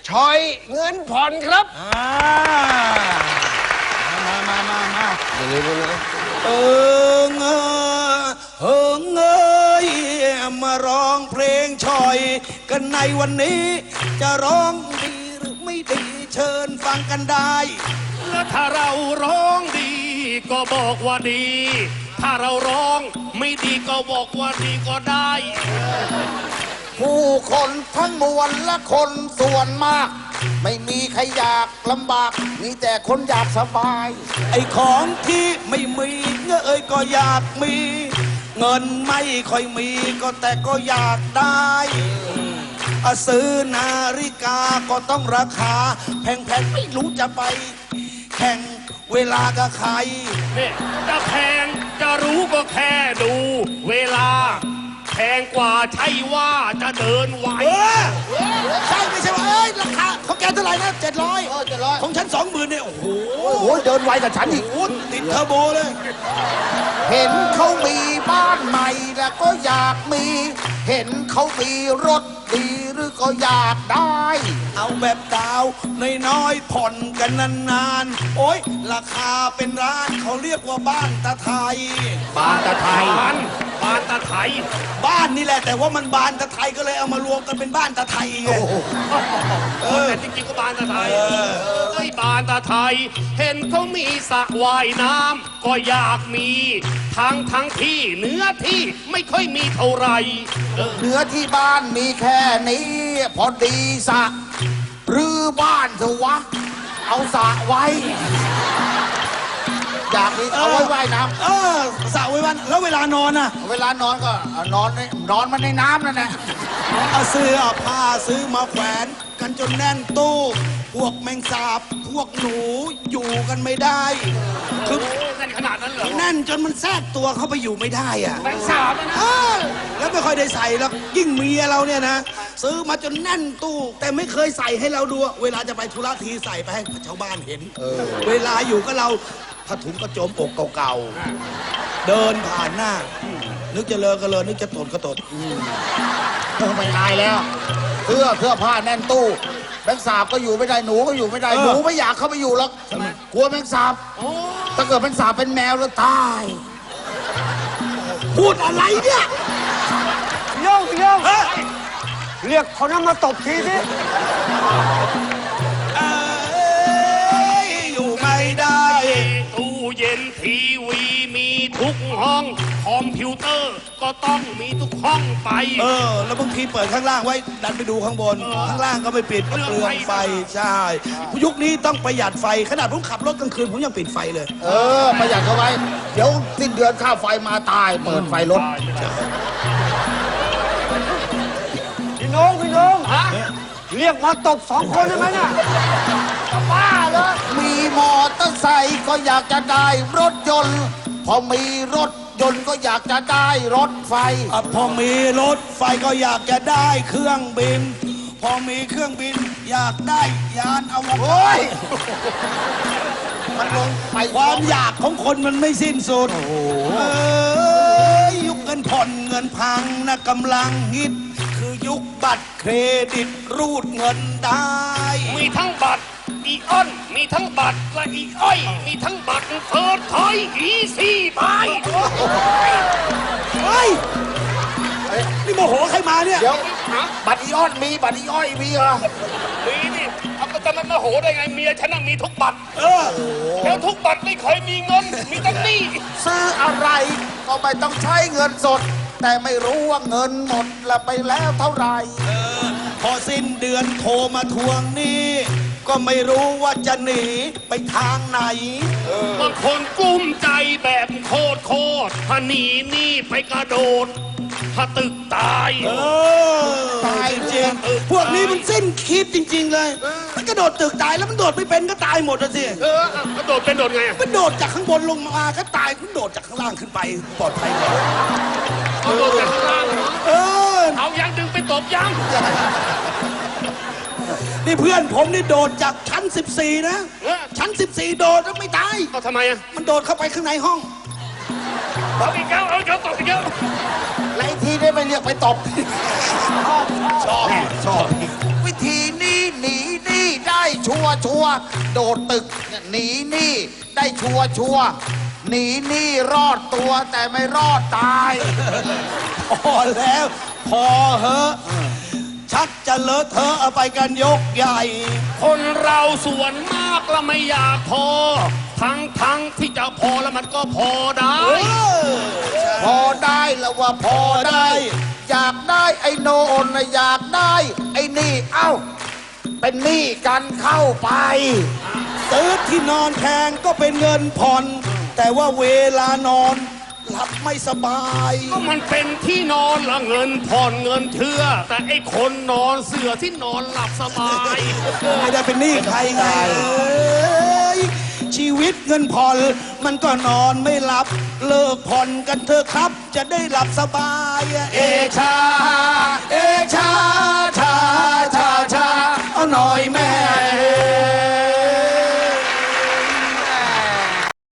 ชอยเงินผ่อนครับมาเร็วเออเงยมาร้องเพลงชอยกันในวันนี้จะร้องดีหรือไม่ดีเชิญฟังกันได้แล้วถ้าเราร้องดีก็บอกว่าดี ถ้าเราร้องไม่ดีก็บอกว่าดีก็ได้ผู้คนทั้งมวลและคนส่วนมากไม่มีใครอยากลำบากมีแต่คนอยากสบายไอ้ของที่ไม่มีเงยก็อยากมีเงินไม่ค่อยมีก็แต่ก็อยากได้ซื้อนาฬิกาก็ต้องราคาแพงๆไม่รู้จะไปแข่งเวลากับใครเนี่ยจะแพงจะรู้ก็แค่ดูเวลาแพงกว่าใช่ว่าจะเดินไหวใช่ไม่ใช่ว่าราคาของแกเท่าไหร่นะ700ของฉัน20,000เนี่ยโอ้โหเดินไวกับฉันอีกติดเทอร์โบเลยเห็นเขามีบ้านใหม่แล้วก็อยากมีเห็นเขามีรถดีหรือก็อยากได้เอาแบบดาวน้อยๆผ่อนกันนานๆโอ๊ยราคาเป็นร้านเขาเรียกว่าบ้านตาไทยบ้านตาไทยบ้านตาไทยบ้านนี่แหละแต่ว่ามันบานตาไทยก็เลยเอามารวมกันเป็นบ้านตาไทยไงแต่จริงๆก็บ้านตาไทยบ้านตาไทยเห็นเขามีสระว่ายน้ำก็อยากมีทั้งที่เนื้อที่ไม่ค่อยมีเท่าไหร่เนื้อที่บ้านมีแค่นี้พอดีสระหรือบ้านเถอะวะเอาสระไว้อยากมีเอาไว้ว่ายน้ำสระไว้วันแล้วเวลานอนอะเวลานอนก็นอนมันในน้ำนั่นแหละซื้อผ้าซื้อมาแขวนกันจนแน่นตู้พวกแมงสาบพวกหนูอยู่กันไม่ได้คือแน่นขนาดนั้นเหรอแน่นจนมันแทรกตัวเข้าไปอยู่ไม่ได้อะแมงสาบนะแล้วไม่ค่อยได้ใส่แล้วยิ่งเมียเราเนี่ยนะซื้อมาจนแน่นตู้แต่ไม่เคยใส่ให้เราดูเวลาจะไปธุระทีใส่ไปให้ชาวบ้านเห็นเวลาอยู่ก็เราผ้าถุงกระโจมอกเก่าๆเดินผ่านหน้านึกจะเลอะก็เลอะนึกจะตดก็ตดไม่อายแล้วเสื้อผ้าแน่นตู้แมงสาบก็อยู่ไม่ได้หนูก็อยู่ไม่ได้หนูไม่อยากเข้าไปอยู่หรอกกลัวแมงสาบถ้าเกิดแมงสาบเป็นแมวแล้วตายพูดอะไรเนี่ยโยงเรียกคนนั้นมาตบทีนี้อยู่ไม่ได้ตู้เย็นทีวีมีทุกห้องคอมพิวเตอร์ก็ต้องมีทุกห้องไปแล้วบางทีเปิดข้างล่างไว้ดันไปดูข้างบนข้างล่างก็ไม่ปิดเปลืองไฟใช่ยุคนี้ต้องประหยัดไฟขนาดผมขับรถกลางคืนผมยังปิดไฟเลยประหยัดเอาไว้เดี๋ยวสิ้นเดือนค่าไฟมาตายเปิดไฟรถพี่น้องเรียกมาตบ2 คนได้ไหมเนี่ยบ้าเลยมีมอเตอร์ไซค์ก็อยากจะได้รถยนต์พอมีรถยนต์ก็อยากจะได้รถไฟพอมีรถไฟก็อยากจะได้เครื่องบินพอมีเครื่องบินอยากได้ยานอวกาศมันลงไปความอยากของคนมันไม่สิ้นสุดยุคเงินผ่อนเงินพังนะกำลังฮิตคือยุคบัตรเครดิตรูดเงินได้มีทั้งบัตรอีออนมีทั้งบัตรและอีอ้อยมีทั้งบัตรเฟิร์สทอยอีซี่บายนี่โมโหใครมาเนี่ยเดี๋ยวบัตรอีออนมีบัตรอีอ้อยมีเหรอมีนี่เอาก็จะมันโมโหได้ไงเมียฉันมีทุกบัตรแล้วทุกบัตรไม่เคยมีเงินมีแต่หนี้ซื้ออะไรก็ไม่ต้องใช้เงินสดแต่ไม่รู้ว่าเงินหมดละไปแล้วเท่าไหร่พอสิ้นเดือนโทรมาทวงหนี้ก็ไม่รู้ว่าจะหนีไปทางไหนบางคนกุ้มใจแบบโคตรถ้าหนีนี่ไปกระโดดถ้าตึกตายตายจริงพวกนี้มันสิ้นคิดจริงๆเลยมันกระโดดตึกตายแล้วมันโดดไม่เป็นก็ตายหมดสิกระโดดเป็นโดดไงมันโดดจากข้างบนลงมาก็ตายคุณโดดจากข้างล่างขึ้นไปปลอดภัยกว่าโดดจากข้างล่างเอายังดึงไปตบยังนี่เพื่อนผมนี่โดดจากชั้น14นะชั้น14โดดแล้วไม่ตายทำไมมันโดดเข้าไปข้างในห้องเอาอีกแล้วเอาตบอีกแล้วไล่ทีได้ไม่เรียกไปตบชอบวิธีนี้หนีชัวร์โดดตึกหนีหนี้ได้ชัวร์หนีหนี้รอดตัวแต่ไม่รอดตายพอแล้วพอเหอะชักจะเลอะเทอะเอาไปกันยกใหญ่คนเราส่วนมากแล้วไม่อยากพอ ทั้งที่จะพอแล้วมันก็พอได้พอได้แล้วว่าพอได้ อยากได้ไอ้โนนนะอยากได้ไอ้นี่เอ้าเป็นหนี้กันเข้าไปซื้อที่นอนแพงก็เป็นเงินผ่อน แต่ว่าเวลานอนหลับไม่สบายก็มันเป็นที่นอนละเงินผ่อนเงินเชื่อ แต่ไอ้คนนอนเสือที่นอนหลับสบายไม่ได้เป็นหนี้ใครไงชีวิตเงินผ่อนมันก็นอนไม่หลับ เลิกผ่อนกันเถอะครับ จะได้หลับสบาย เอชา เอชาชาชาชาเอาหน่อยแม่